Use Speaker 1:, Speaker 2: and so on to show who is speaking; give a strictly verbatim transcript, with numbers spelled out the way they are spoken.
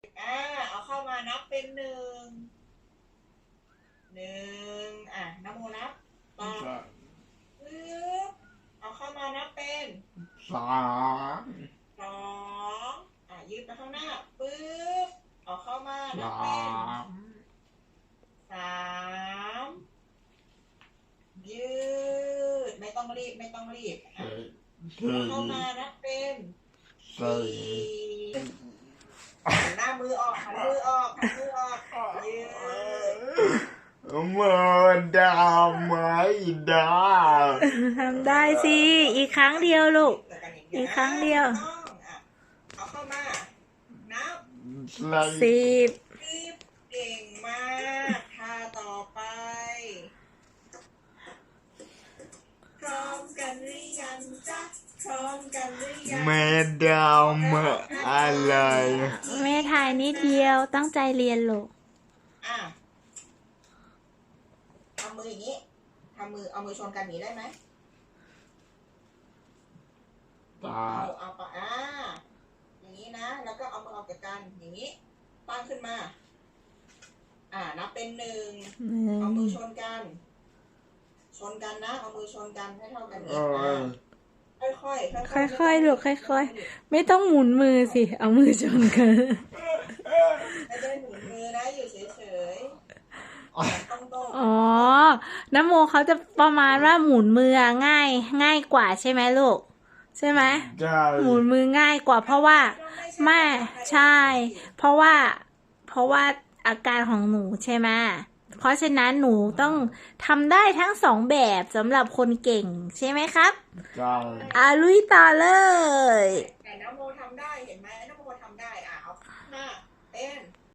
Speaker 1: อ่าเอาเข้ามานับเป็นหนึ่งหนึ่งอ่ะนะโมนับต่อปึ๊บเอาเข้ามานับเป็น
Speaker 2: สอง
Speaker 1: สองอ่ะยืดไปข้างหน้าปึ๊บเอาเข้ามานับ
Speaker 2: สา
Speaker 1: เป็น
Speaker 2: ม
Speaker 1: สามยืดไม่ต้องรีบไม่ต้องรีบอ่ะเอาเข้ามานับเป็น
Speaker 2: สี่
Speaker 1: หันหน้ามือออกหันมือออกหันมือออกยืด
Speaker 2: มือดาวไหมดาว
Speaker 3: ทำได้สิ อีกครั้งเดียวลูก อีกครั้งเดียว
Speaker 1: เอาเข้ามานับ
Speaker 3: สิบ
Speaker 1: สิบเก่งมากท่าต่อไปพร้อมกันหรือยังจ๊ะพร้อมกันหรือยัง
Speaker 2: แม่ดาวมาอะไร
Speaker 3: แม่ถ่ายนิดเดียวตั้งใจเรียนลูก
Speaker 1: อ่ะทำมืออย่างนี้ทำมือเอามือชนกันอย่างนี้ได้ไหมเอาเอาปะอ่าอย่างนี้นะแล้วก็เอามือออกจากกันอย่างนี้ตั้งขึ้นมาอ่านับเป็นหนึ่งเอามือชนกันชนกันนะเอามือชนกันให้เท่ากันนี้ค่อยค่อย
Speaker 3: ค่อยค่อยลูกค่อยค่อยไม่ต้องหมุนมือสิเอามือชนกัน
Speaker 1: ไม่ได้หมุนมือนะอยู่เฉยๆ
Speaker 3: อ๋อน้ำโมเขาจะประมาณว่าหมุนมือง่ายง่ายกว่าใช่ไหมลูกใช่ไหมหมุนมือง่ายกว่าเพราะว่าไม่ใช่เพราะว่าเพราะว่าอาการของหนูใช่ไหมเพราะฉะนั้นหนูต้องทำได้ทั้งสองแบบสำหรับคนเก่งใช่ไหมครับอาลุยต่อเลย
Speaker 1: แต่น้ำโมทำได้เห็นไหมน้ำโมทำได้อ่ะเอาหน้า